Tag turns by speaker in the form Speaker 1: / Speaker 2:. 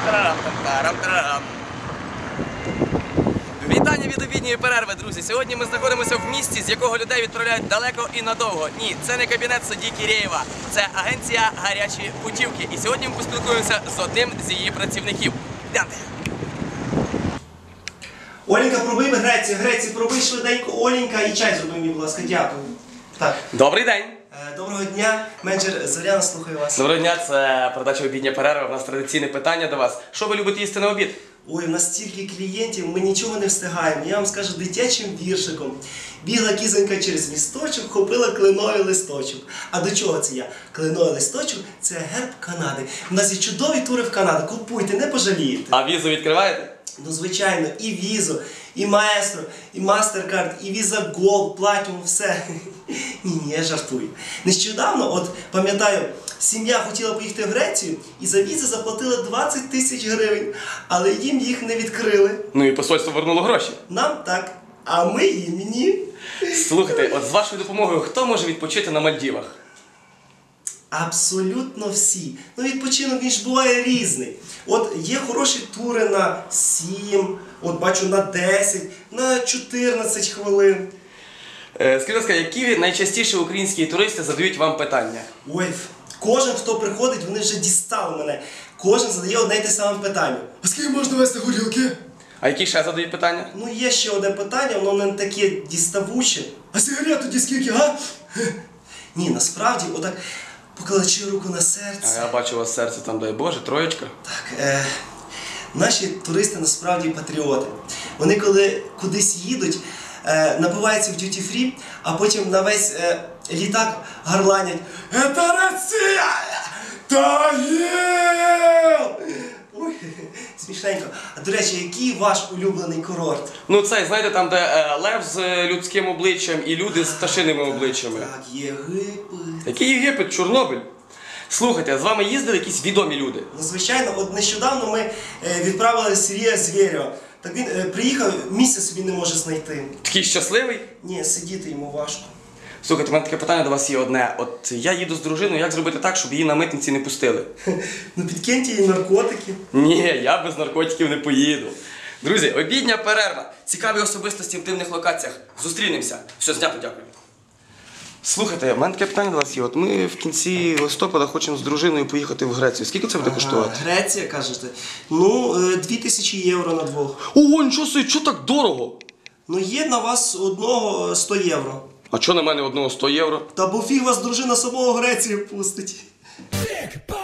Speaker 1: Вітання від обідньої перерви, друзі. Сьогодні ми знаходимося в місті, з якого людей відправляють далеко і надовго. Ні, це не кабінет судді Кірєєва, це агенція «Гарячі путівки». І сьогодні ми поспілкуємося з одним з її працівників. Йдемте.
Speaker 2: Оленька, пробий Грецію, пробий швиденько, Оленька, і чай зроби мені, будь ласка, дякую. Так.
Speaker 1: Добрий день.
Speaker 2: Доброго дня, менеджер Зоряна, слухаю вас.
Speaker 1: Доброго дня, це передача «Обідня перерва». У нас традиційне питання до вас. Що ви любите їсти на обід?
Speaker 2: Ой, у нас стільки клієнтів, ми нічого не встигаємо. Я вам скажу дитячим віршиком. Бігла кізонька через місточок, хопила кленовий листочок. А до чого це я? Кленовий листочок – це герб Канади. У нас є чудові тури в Канаду, купуйте, не пожалієте.
Speaker 1: А візу відкриваєте?
Speaker 2: Ну, звичайно, і візу, і маестро, і мастеркард, і віза Голд, Платінум, все. Ні, я жартую. Нещодавно, от пам'ятаю, сім'я хотіла поїхати в Грецію і за візи заплатила 20 тисяч гривень, але їм їх не відкрили.
Speaker 1: Ну і посольство вернуло гроші.
Speaker 2: Нам так, а ми їм ні.
Speaker 1: Слухайте, от з вашою допомогою хто може відпочити на Мальдівах?
Speaker 2: Абсолютно всі. Ну, відпочинок, він ж буває різний. От є хороші тури на 7, от бачу на 10, на 14 хвилин.
Speaker 1: Скажіть, будь ласка, які найчастіше українські туристи задають вам питання?
Speaker 2: Ой, кожен, хто приходить, вони вже дістали мене. Кожен задає одне й те саме питання. А скільки можна вести горілки?
Speaker 1: А які ще задають питання?
Speaker 2: Ну, є ще одне питання, воно не таке діставуче. А сигарет тоді скільки, га? Ні, насправді, отак, покладучи руку на серце.
Speaker 1: А я бачу у вас серце там, дай Боже, троєчка.
Speaker 2: Так, наші туристи насправді патріоти. Вони коли кудись їдуть, напиваються в дюті-фрі, а потім на весь літак горланять «Это Росія! Тагил!» Ой, смішненько. А до речі, який ваш улюблений курорт?
Speaker 1: Ну цей, знаєте, там, де лев з людським обличчям і люди з пташиними обличчями.
Speaker 2: Так, Єгипет.
Speaker 1: Який Єгипет? Чорнобиль. Слухайте, а з вами їздили якісь відомі люди?
Speaker 2: Ну, звичайно, от нещодавно ми відправили Сергія Звєрєва. Так він приїхав, місця собі не може знайти.
Speaker 1: Такий щасливий?
Speaker 2: Ні, сидіти йому важко.
Speaker 1: Слухайте, у мене таке питання до вас є одне. От я їду з дружиною, як зробити так, щоб її на митниці не пустили?
Speaker 2: Ну, підкиньте їй наркотики.
Speaker 1: Ні, я без наркотиків не поїду. Друзі, обідня перерва. Цікаві особистості в дивних локаціях. Зустрінемося. Все, знято, дякую. Слухайте, в мене таке питання до вас є. От ми в кінці листопада хочемо з дружиною поїхати в Грецію. Скільки це буде коштувати?
Speaker 2: Греція, кажете? Ну, 2000 євро на двох.
Speaker 1: Ого, нічого собі, чого так дорого?
Speaker 2: Ну, є на вас одного 100 євро.
Speaker 1: А чого на мене одного 100 євро?
Speaker 2: Та бо фіг вас дружина самого Греції пустить.